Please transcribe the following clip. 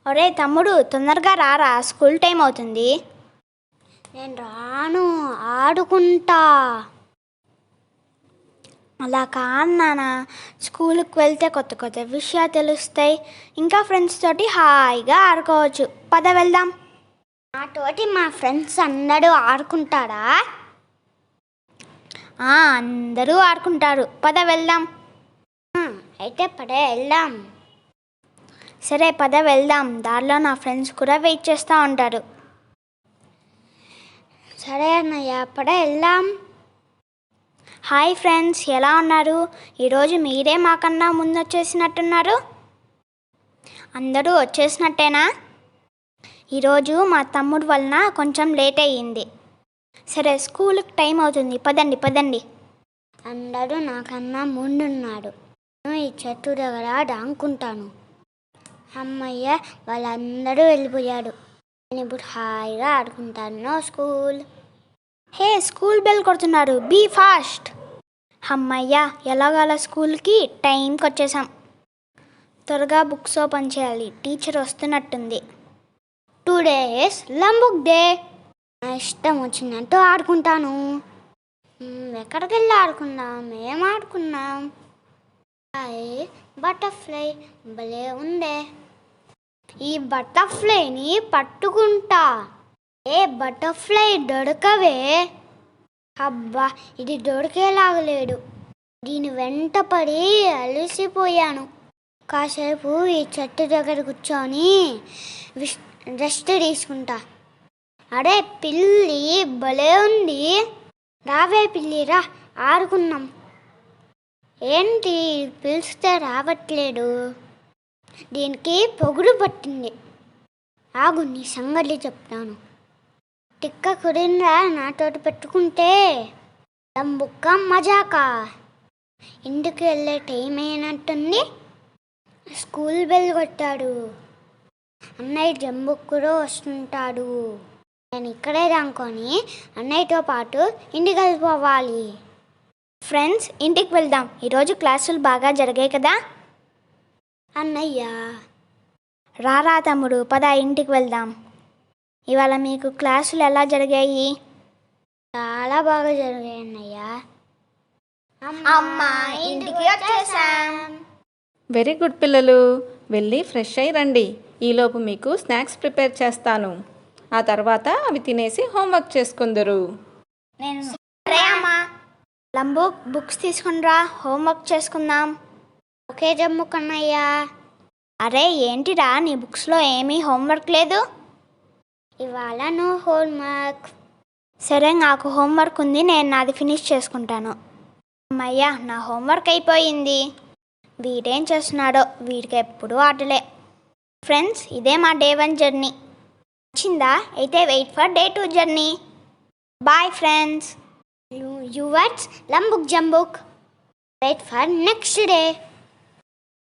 ఒరే తమ్ముడు, తొందరగా రారా, స్కూల్ టైం అవుతుంది. నేను రాను, ఆడుకుంటా. అలా కాదు నాన్న, స్కూల్కి వెళ్తే కొత్త కొత్త విషయాలు తెలుస్తాయి, ఇంకా ఫ్రెండ్స్ తోటి హాయిగా ఆడుకోవచ్చు. పద వెళ్దాం. నాతోటి మా ఫ్రెండ్స్ అందరూ ఆడుకుంటారా? అందరూ ఆడుకుంటారు. పద వెళ్దాం. అయితే పడే వెళ్దాం. సరే పద వెళ్దాం. దారిలో నా ఫ్రెండ్స్ కూడా వెయిట్ చేస్తూ ఉంటారు. సరే అన్నయ్య, పడే వెళ్దాం. హాయ్ ఫ్రెండ్స్, ఎలా ఉన్నారు? ఈరోజు మీరే మాకన్నా ముందు వచ్చేసినట్టున్నారు. అందరూ వచ్చేసినట్టేనా? ఈరోజు మా తమ్ముడు వలన కొంచెం లేట్ అయ్యింది. సరే, స్కూల్కి టైం అవుతుంది, పదండి పదండి. అందరూ నాకన్నా ముందున్నాడు. నేను ఈ చెట్టు దగ్గర దాంకుంటాను. అమ్మయ్య, వాళ్ళందరూ వెళ్ళిపోయాడు. నేను ఇప్పుడు హాయిగా ఆడుకుంటాను. No school. Hey, school bell కొడుతున్నారు, బీ ఫాస్ట్. అమ్మయ్య, ఎలాగలా స్కూల్కి టైంకి వచ్చేసాం. త్వరగా బుక్స్ ఓపెన్ చేయాలి, టీచర్ వస్తున్నట్టుంది. Today is Lambuk day. నా ఇష్టం వచ్చినట్టు ఆడుకుంటాను. ఎక్కడికి వెళ్ళి ఆడుకుందాం? ఏం ఆడుకుందాం? బటర్ఫ్లై భలే ఉందే. ఈ బటర్ఫ్లైని పట్టుకుంటా. ఏ బటర్ఫ్లై దొరకవే. అబ్బా, ఇది దొరికేలాగలేడు. దీని వెంట పడి అలసిపోయాను. కాసేపు ఈ చెట్టు దగ్గర కూర్చొని రెస్ట్ తీసుకుంటా. అరే పిల్లి భలే ఉంది. రావే పిల్లి, రా ఆడుకున్నాం. ఏంటి పిలిస్తే రావట్లేదు? దీనికి పొగుడు పట్టింది. ఆగు, నీ సంగతి చెప్తాను. టిక్క కుదిందా నాతోటి పెట్టుకుంటే? లంబుక్క మజాకా. ఇంటికి వెళ్ళే టైం అయినట్టుంది. స్కూల్ బెల్ కొట్టాడు. అన్నయ్య జంబుక్ కూడా వస్తుంటాడు. నేను ఇక్కడే దాంకొని అన్నయ్యతో పాటు ఇంటికి వెళ్ళిపోవాలి. ఫ్రెండ్స్, ఇంటికి వెళ్దాం. ఈరోజు క్లాసులు బాగా జరిగాయి కదా? అన్నయ్య, రారా తమ్ముడు, పద ఇంటికి వెళ్దాం. ఇవాళ మీకు క్లాసులు ఎలా జరిగాయి? చాలా బాగా జరిగాయి అన్నయ్య. అమ్మా, ఇంటికి వచ్చేసాం. వెరీ గుడ్ పిల్లలు, వెళ్ళి ఫ్రెష్ అయ్యి రండి. ఈలోపు మీకు స్నాక్స్ ప్రిపేర్ చేస్తాను. ఆ తర్వాత అవి తినేసి హోంవర్క్ చేసుకుందరు. లంబు, బుక్స్ తీసుకునిరా, హోంవర్క్ చేసుకుందాం. ఓకే జంబుక్ అన్నయ్య. అరే ఏంటిరా, నీ బుక్స్లో ఏమీ హోంవర్క్ లేదు? ఇవాళ నో హోంవర్క్. సరే, నాకు హోంవర్క్ ఉంది, నేను నాది ఫినిష్ చేసుకుంటాను. అమ్మయ్యా, నా హోంవర్క్ అయిపోయింది. వీడేం చేస్తున్నాడో, వీడికి ఎప్పుడూ ఆటలే. ఫ్రెండ్స్, ఇదే మా డే 1 జర్నీ. నచ్చిందా? అయితే wait for day 2 journey. Bye friends. You words, Lambuk Jambuk. Wait for next day.